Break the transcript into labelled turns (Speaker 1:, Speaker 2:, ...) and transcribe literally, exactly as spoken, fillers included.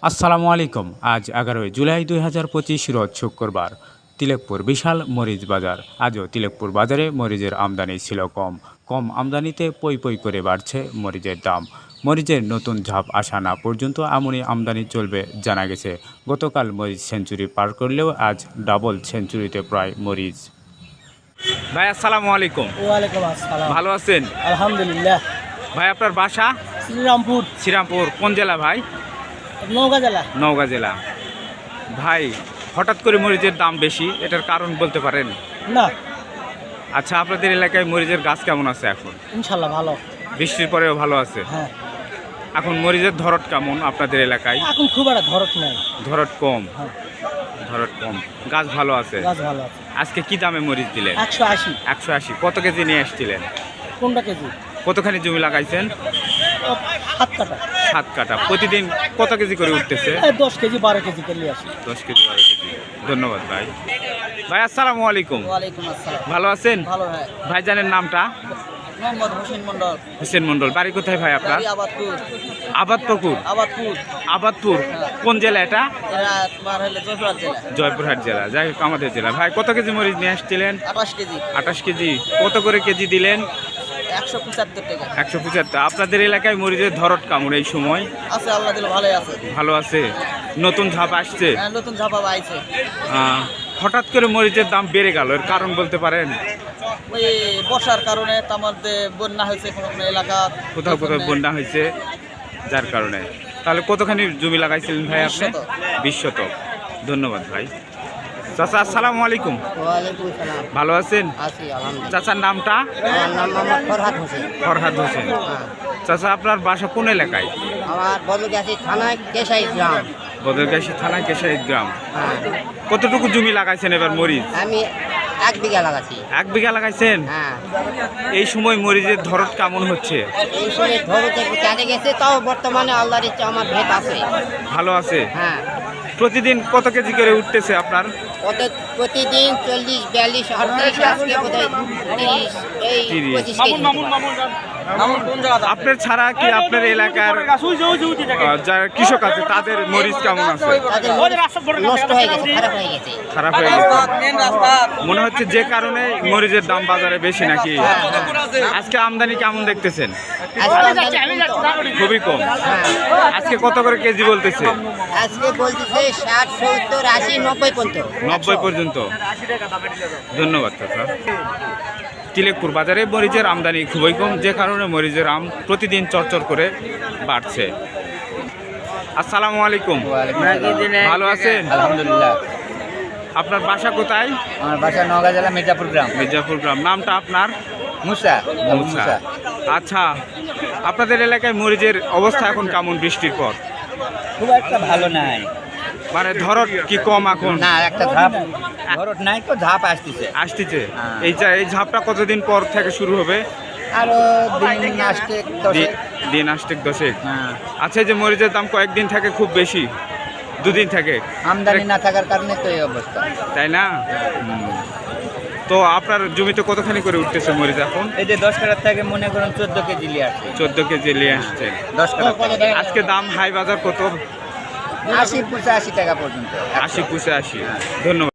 Speaker 1: আসসালামু আলাইকুম। আজ এগারোই জুলাই দুই হাজার পঁচিশ রোজ শুক্রবার। তিলেকপুর বিশাল মরিচ বাজার। আজও তিলেকপুর বাজারে মরিচের আমদানি ছিল কম। কম আমদানিতে পই পই করে বাড়ছে মরিচের দাম। মরিচের নতুন ঝাপ আসা না পর্যন্ত এমনই আমদানি চলবে জানা গেছে। গতকাল মরিচ সেঞ্চুরি পার করলেও আজ ডাবল সেঞ্চুরিতে প্রায় মরিচ। ভাই আসসালামু আলাইকুম।
Speaker 2: ওয়ালাইকুম আসসালাম।
Speaker 1: ভালো আছেন?
Speaker 2: আলহামদুলিল্লাহ।
Speaker 1: ভাই আপনার বাসা?
Speaker 2: শ্রীরামপুর।
Speaker 1: শ্রীরামপুর কোন জেলা ভাই?
Speaker 2: নওগাঁ জেলা।
Speaker 1: নওগাঁ জেলা। ভাই হঠাৎ করে মরিচের দাম বেশি, এটার কারণ বলতে পারেন?
Speaker 2: না।
Speaker 1: আচ্ছা, আপনাদের এলাকায় মরিচের গাছ কেমন আছে এখন?
Speaker 2: ইনশাল্লাহ ভালো।
Speaker 1: বৃষ্টির পরেও ভালো আছে?
Speaker 2: হ্যাঁ।
Speaker 1: এখন মরিচের ধরট কেমন আপনাদের এলাকায়?
Speaker 2: এখন খুব একটা ধরত নাই।
Speaker 1: ধরট কম?
Speaker 2: হ্যাঁ।
Speaker 1: ধরট কম, গাছ ভালো আছে?
Speaker 2: গাছ ভালো আছে।
Speaker 1: আজকে কি দামে মরিচ দিলেন?
Speaker 2: একশো আশি।
Speaker 1: একশো আশি। কত কেজি নিয়ে আসছিলেন?
Speaker 2: কোনটা কেজি?
Speaker 1: কতখানি জমি লাগাইছেন?
Speaker 2: সাত কাটা।
Speaker 1: সাত কাটা। প্রতিদিন কত কেজি করে উঠতেছে?
Speaker 2: দশ কেজি বারো কেজি কেলি আসি।
Speaker 1: দশ কেজি বারো কেজি। ধন্যবাদ ভাই। ভাই আসসালামু আলাইকুম।
Speaker 2: ওয়ালাইকুম আসসালাম।
Speaker 1: ভালো আছেন?
Speaker 2: ভালো ভাই।
Speaker 1: ভাইজানের নামটা?
Speaker 2: মোহাম্মদ হোসেন মন্ডল।
Speaker 1: হোসেন মন্ডল। বাড়ি কোথায় ভাই আপনার?
Speaker 2: আবাদপুর।
Speaker 1: আবাদপুর?
Speaker 2: আবাদপুর।
Speaker 1: আবাদপুর কোন জেলা এটা?
Speaker 2: এরা তোমার হলো জয়পুরহাট জেলা।
Speaker 1: জয়পুরহাট জেলা। যাই হোক, আমাদের জেলা। ভাই কত কেজি মরিচ নিয়ে আসছিলেন?
Speaker 2: আঠাশ কেজি।
Speaker 1: আঠাশ কেজি। কত করে কেজি দিলেন?
Speaker 2: একশো পঁচাত্তর টাকা।
Speaker 1: একশো পঁচাত্তর। আপনাদের এলাকায় মরিচের ধরট কেমন এই সময়?
Speaker 2: আছে, আল্লাহ দিলে ভালোই আছে।
Speaker 1: ভালো আছে। নতুন ধাপ আসছে?
Speaker 2: হ্যাঁ, নতুন ঝাপা আইছে।
Speaker 1: আহ, হঠাৎ করে মরিচের দাম বেড়ে গেল, এর কারণ বলতে পারেন?
Speaker 2: ওই বর্ষার কারণে আমাদের বন্যা হয়েছে কোনো কোনো এলাকা,
Speaker 1: কোথাও কোথাও বন্যা হয়েছে, যার কারণে। তাহলে কতখানি জমি লাগাইছিলেন ভাই আপনি? বিশ শতক। ধন্যবাদ ভাই। চাচা আসসালামু আলাইকুম।
Speaker 2: ওয়ালাইকুম সালাম।
Speaker 1: ভালো আছেন?
Speaker 2: আছি আলহামদুলিল্লাহ।
Speaker 1: চাচার নামটা?
Speaker 2: আমার নাম মোহাম্মদ ফরহাদ হোসেন।
Speaker 1: ফরহাদ হোসেন। চাচা আপনার বাসা কোন এলাকায়?
Speaker 2: আমার বদলগাছি থানায় কেশাই গ্রাম।
Speaker 1: বদলগাছি থানা কেশাইদ গ্রাম।
Speaker 2: হ্যাঁ।
Speaker 1: কতটুকু জমি লাগাইছেন এবার মরিচ?
Speaker 2: আমি এক বিঘা লাগাচ্ছি।
Speaker 1: এক বিঘা লাগাইছেন?
Speaker 2: হ্যাঁ।
Speaker 1: এই সময় মরিচের ধরত কেমন হচ্ছে?
Speaker 2: এই সময় ধরতে কেটে গেছে, তাও বর্তমানে আল্লাহর ইচ্ছা আমার ভেদ আছে।
Speaker 1: ভালো আছে?
Speaker 2: হ্যাঁ।
Speaker 1: প্রতিদিন কত কেজি করে উঠতেছে আপনার?
Speaker 2: কত প্রতিদিন চল্লিশ বিয়াল্লিশ আটত্রিশ, আজকে বোধহয় তিরিশ, এই
Speaker 1: তিরিশ।
Speaker 2: পঁচিশ কেজি।
Speaker 1: আপনার ছাড়া কি আপনার এলাকার আহ, যারা কৃষক আছে তাদের মরিচ কেমন আছে?
Speaker 2: তাদের নষ্ট হয়ে গেছে, খারাপ হয়ে গেছে।
Speaker 1: খারাপ হয়ে গেছে মনে হচ্ছে, যে কারণে মরিচের দাম বাজারে বেশি নাকি? আজকে আমদানি কেমন দেখতেছেন? খুবই কম। আজকে কত করে কেজি বলতেছে?
Speaker 2: আজকে বলতেছে ষাট সত্তর আশি নব্বই পর্যন্ত।
Speaker 1: নব্বই পর্যন্ত। ধন্যবাদ চাচা। তিলেকপুর বাজারে মরিচের আমদানি খুবই কম, যে কারণে মরিচের আম প্রতিদিন চরচর করে বাড়ছে। আসসালামু আলাইকুম। ভালো আছেন?
Speaker 3: আলহামদুলিল্লাহ।
Speaker 1: আপনার বাসা কোথায়?
Speaker 3: আমার বাসা নওগাঁ জেলা মির্জাপুর গ্রাম।
Speaker 1: মির্জাপুর গ্রাম। নামটা আপনার?
Speaker 3: মুসা।
Speaker 1: মুসা। আচ্ছা, আপনাদের এলাকায় মরিচের অবস্থা এখন কেমন বৃষ্টির পর?
Speaker 3: খুব একটা ভালো নাই,
Speaker 1: মানে ধরত কি কম এখন?
Speaker 3: না একটা ধাপ ধরত নাই তো, ধাপ আসতেছে
Speaker 1: আসতেছে।
Speaker 3: হ্যাঁ।
Speaker 1: এই যা- এই ঝাপটা কতদিন পর থেকে শুরু হবে?
Speaker 3: আরো দিন আসতে
Speaker 1: দি- দিন আসতেক দশেক।
Speaker 3: হ্যাঁ।
Speaker 1: আচ্ছা, এই যে মরিচের দাম কয়েকদিন থাকে খুব বেশি, দুদিন থাকে,
Speaker 3: আমদানি না থাকার কারণে তো এই অবস্থা।
Speaker 1: তাই না? হুম। তো আপনার জমিতে কতখানি করে উঠতেছে মরিচ এখন?
Speaker 3: এই যে দশ কাটার থেকে মনে করুন চোদ্দ কেজি নিয়ে আসছে।
Speaker 1: চোদ্দ কেজি নিয়ে আসছে।
Speaker 3: দশ কাটার
Speaker 1: আজকে দাম হাই বাজার কত?
Speaker 3: আশি পঁচাশি টাকা পর্যন্ত।
Speaker 1: আশি পঁচাশি। ধন্যবাদ।